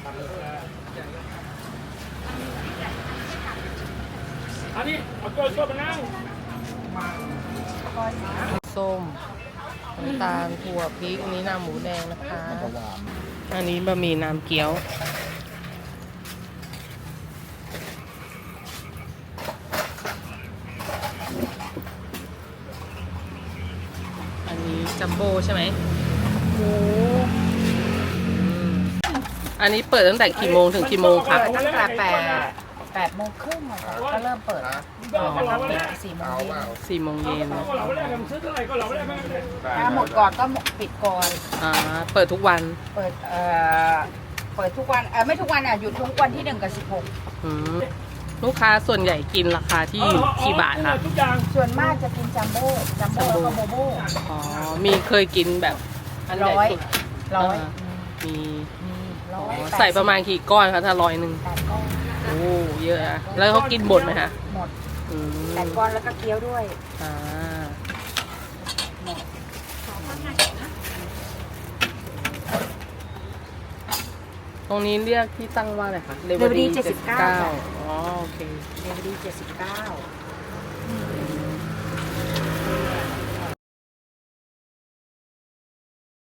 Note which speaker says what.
Speaker 1: อันนี้เอาตัวมานั่ง
Speaker 2: ส้มน้ำตาลถั่วพริกอันนี้น้ำหมูแดงนะคะ อันนี้บะหมี่น้ำเกี๊ยว อันนี้จัมโบ้ใช่ไหมหมูอันนี้เปิดตั้งแต่กี่โมงถึงกี่โมงคะ
Speaker 3: เปิดตั้งแต่8 โมงครึ่งอะค่ะก็เริ่มเปิด4 โมงเย็น
Speaker 2: 4 โมงเย็น
Speaker 1: เราไม่ได้มันซื้อเท่าไหร่ก็เราไม่ได้ไม่ได้
Speaker 3: ถ้าหมดก่อนก็ปิดก่อน
Speaker 2: เปิดทุกวัน
Speaker 3: เปิดทุกวันไม่ทุกวันอ่ะหยุดทุกวันที่1 กับ
Speaker 2: อืมลูกค้าส่วนใหญ่กินราคาที่กี่บาทคะ
Speaker 1: ทุกอย่าง
Speaker 3: 16ส่วนมากจะกินจัมโบ้แล้วก็โบโบ้
Speaker 2: อ๋อ มีเคยกินแบบอันใหญ่สุด
Speaker 3: ร้อย
Speaker 2: มี
Speaker 3: ร้อย
Speaker 2: ใส่ประมาณกี่ก้อนคะถ้า100
Speaker 3: 8 ก้อน
Speaker 2: โอ้เยอะนะแล้วเขากินหมดไหมคะ
Speaker 3: หมด
Speaker 2: อืม
Speaker 3: 8 ก้อนแล้วก็เคี้ยวด้วย
Speaker 2: อ่า
Speaker 3: หมด
Speaker 2: ตรงนี้เรียกที่ตั้งว่าอะไรคะ
Speaker 3: Liberty 79
Speaker 2: อ๋อโอเค
Speaker 3: เดลิเวอรี่79